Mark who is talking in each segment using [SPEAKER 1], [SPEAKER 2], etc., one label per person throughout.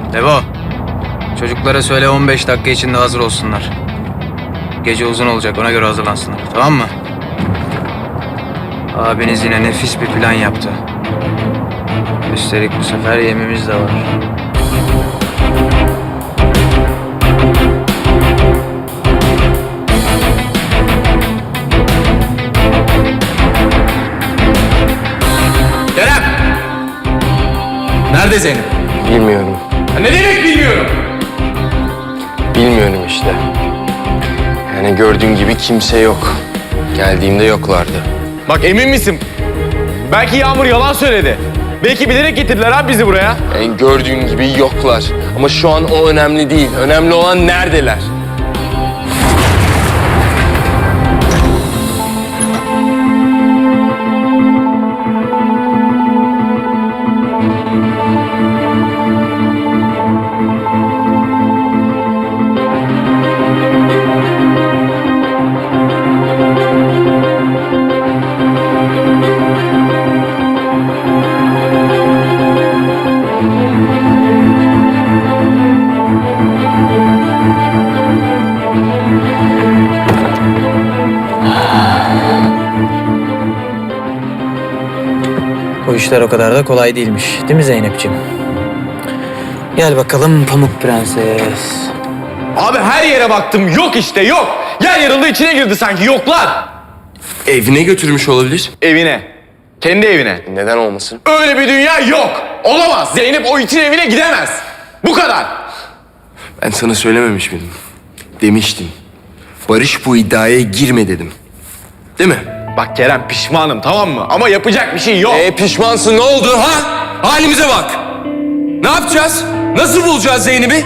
[SPEAKER 1] Devo, çocuklara söyle 15 dakika içinde hazır olsunlar. Gece uzun olacak, ona göre hazırlansınlar, tamam mı? Abiniz yine nefis bir plan yaptı. Üstelik bu sefer yemimiz de var.
[SPEAKER 2] Kerem! Nerede Zeynep?
[SPEAKER 3] Bilmiyorum.
[SPEAKER 2] Ne demek bilmiyorum.
[SPEAKER 3] Bilmiyorum işte. Yani gördüğün gibi kimse yok. Geldiğimde yoklardı.
[SPEAKER 2] Bak emin misin? Belki Yağmur yalan söyledi. Belki bilerek getirdiler abi bizi buraya.
[SPEAKER 3] Yani gördüğün gibi yoklar. Ama şu an o önemli değil. Önemli olan neredeler?
[SPEAKER 1] Bu işler o kadar da kolay değilmiş, değil mi Zeynep'ciğim? Gel bakalım Pamuk Prenses.
[SPEAKER 2] Abi her yere baktım yok işte yok. Yer yarıldı içine girdi sanki yoklar.
[SPEAKER 3] Evine götürmüş olabilir.
[SPEAKER 2] Evine. Kendi evine.
[SPEAKER 3] Neden olmasın?
[SPEAKER 2] Öyle bir dünya yok. Olamaz. Zeynep o itin evine gidemez. Bu kadar.
[SPEAKER 3] Ben sana söylememiş miydim? Demiştim. Barış bu iddiaya girme dedim. Değil mi?
[SPEAKER 2] Bak Kerem pişmanım tamam mı? Ama yapacak bir şey yok.
[SPEAKER 3] Pişmansın ne oldu ha? Halimize bak. Ne yapacağız? Nasıl bulacağız Zeynep'i?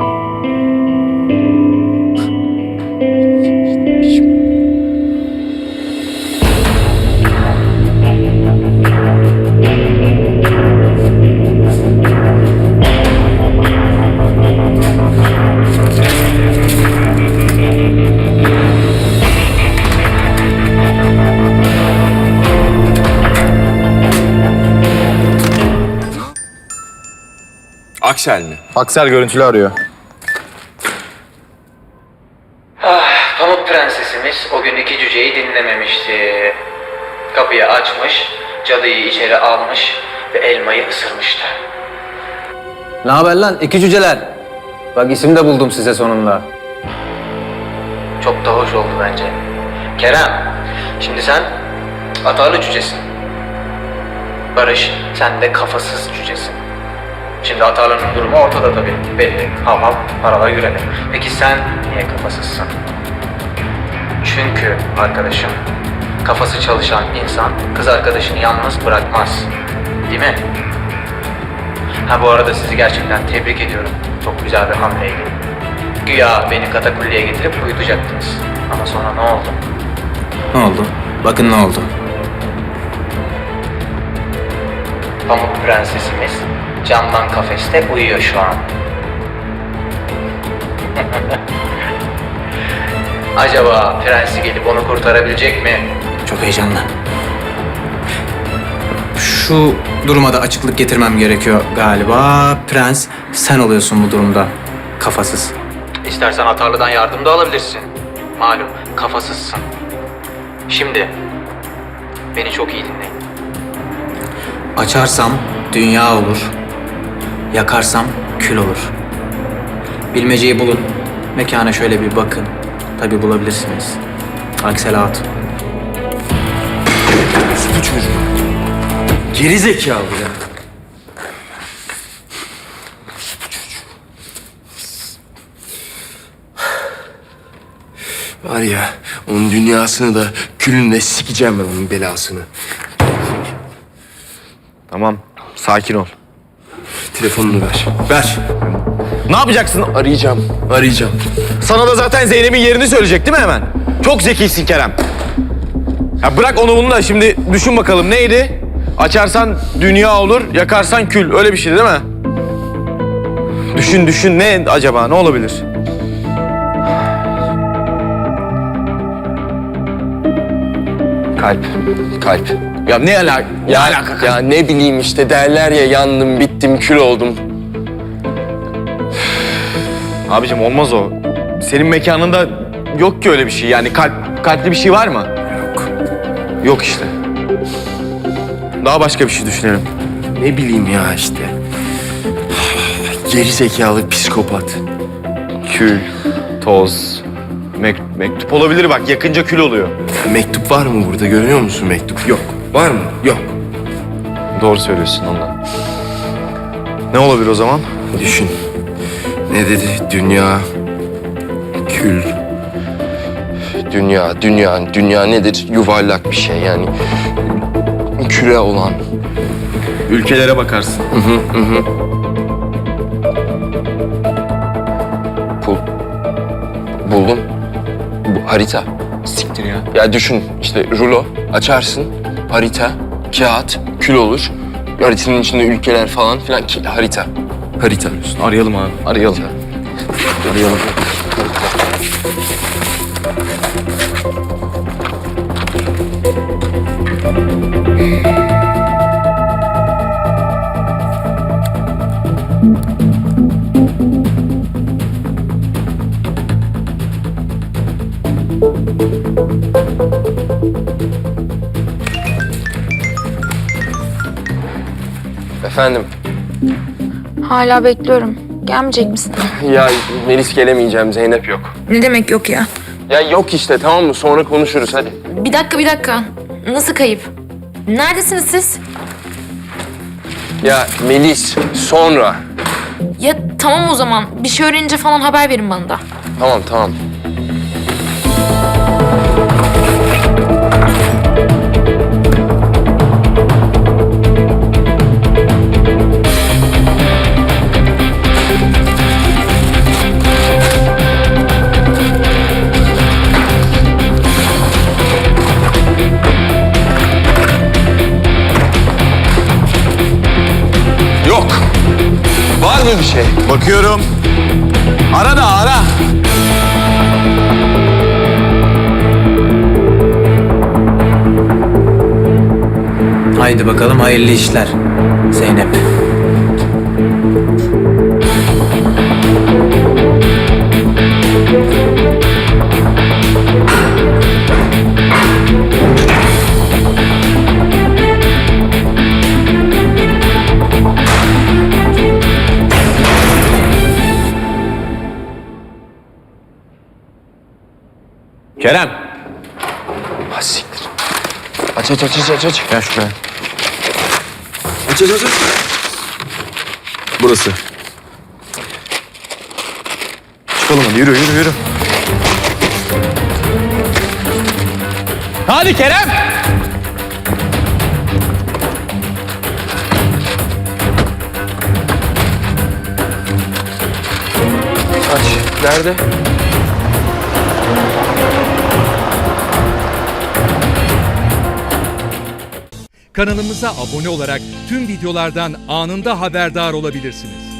[SPEAKER 3] Aksel mi?
[SPEAKER 2] Aksel görüntülü arıyor.
[SPEAKER 1] Pamuk Prensesimiz o gün iki cüceyi dinlememişti. Kapıyı açmış, cadıyı içeri almış ve elmayı ısırmıştı. Ne haber lan iki cüceler? Bak isim de buldum size sonunda. Çok da hoş oldu bence. Kerem, şimdi sen atarlı cücesin. Barış, sen de kafasız cücesin. Şimdi Atarlı'nın durumu ortada tabii. Belli. Hav hav, paralar yürene. Peki sen niye kafasızsın? Çünkü arkadaşım, kafası çalışan insan kız arkadaşını yalnız bırakmaz. Değil mi? Ha bu arada sizi gerçekten tebrik ediyorum. Çok güzel bir hamleydi. Güya beni katakulliye getirip uyutacaktınız. Ama sonra ne oldu? Ne oldu? Bakın ne oldu. Pamuk Prensesimiz camdan kafeste uyuyor şu an. Acaba prensi gelip onu kurtarabilecek mi? Çok heyecanlı. Şu duruma da açıklık getirmem gerekiyor galiba. Prens sen oluyorsun bu durumda. Kafasız. İstersen Atarlı'dan yardım da alabilirsin. Malum kafasızsın. Şimdi beni çok iyi dinleyin. Açarsam dünya olur. Yakarsam kül olur. Bilmeceyi bulun. Mekana şöyle bir bakın. Tabii bulabilirsiniz. Aksel Hatun.
[SPEAKER 3] Bu çocuk. Geri zekalı ya. Var ya, onun dünyasını da külünle sikeceğim ben onun belasını.
[SPEAKER 2] Tamam sakin ol.
[SPEAKER 3] Telefonunu ver. Ver.
[SPEAKER 2] Ne yapacaksın?
[SPEAKER 3] Arayacağım.
[SPEAKER 2] Sana da zaten Zeynep'in yerini söyleyecek değil mi hemen? Çok zekisin Kerem. Ya bırak onu bunu da şimdi düşün bakalım neydi? Açarsan dünya olur, yakarsan kül. Öyle bir şeydi değil mi? Düşün ne acaba? Ne olabilir?
[SPEAKER 3] Kalp.
[SPEAKER 2] Ya ne alaka? Ne alaka?
[SPEAKER 3] Ya ne bileyim işte derler ya yandım, bittim, kül oldum.
[SPEAKER 2] Abicim olmaz o. Senin mekanında yok ki öyle bir şey. Yani kalpli bir şey var mı?
[SPEAKER 3] Yok.
[SPEAKER 2] Yok işte. Daha başka bir şey düşünelim.
[SPEAKER 3] Ne bileyim ya işte. Geri zekalı psikopat.
[SPEAKER 2] Kül, toz, mektup olabilir bak. Yakınca kül oluyor.
[SPEAKER 3] Ya mektup var mı burada? Görüyor musun mektup? Yok. Var mı? Yok.
[SPEAKER 2] Doğru söylüyorsun ondan. Ne olabilir o zaman?
[SPEAKER 3] Düşün. Ne dedi? Dünya, kül. Dünya nedir? Yuvarlak bir şey yani. Küre olan.
[SPEAKER 2] Ülkelere bakarsın.
[SPEAKER 3] Buldum. Bu harita.
[SPEAKER 2] Siktir ya.
[SPEAKER 3] Ya düşün işte rulo açarsın. Harita, kağıt, kül olur. Haritanın içinde ülkeler falan filan. Harita. Harita.
[SPEAKER 2] Arayalım abi. Arayalım. Arayalım.
[SPEAKER 3] Efendim.
[SPEAKER 4] Hala bekliyorum. Gelmeyecek misin?
[SPEAKER 3] Ya Melis gelemeyeceğim. Zeynep yok.
[SPEAKER 4] Ne demek yok ya?
[SPEAKER 3] Ya yok işte tamam mı? Sonra konuşuruz hadi.
[SPEAKER 4] Bir dakika. Nasıl kayıp? Neredesiniz siz?
[SPEAKER 3] Ya Melis sonra.
[SPEAKER 4] Ya tamam o zaman. Bir şey öğrenince falan haber verin bana da.
[SPEAKER 3] Tamam.
[SPEAKER 2] Yok.
[SPEAKER 3] Var mı bir şey?
[SPEAKER 2] Bakıyorum. Ara da ara.
[SPEAKER 1] Haydi bakalım hayırlı işler Zeynep.
[SPEAKER 2] Kerem.
[SPEAKER 3] Ha siktir. Aç.
[SPEAKER 2] Gel şuraya.
[SPEAKER 3] Aç.
[SPEAKER 2] Burası. Çıkalım hadi yürü. Hadi Kerem.
[SPEAKER 3] Aç. Nerede?
[SPEAKER 5] Kanalımıza abone olarak tüm videolardan anında haberdar olabilirsiniz.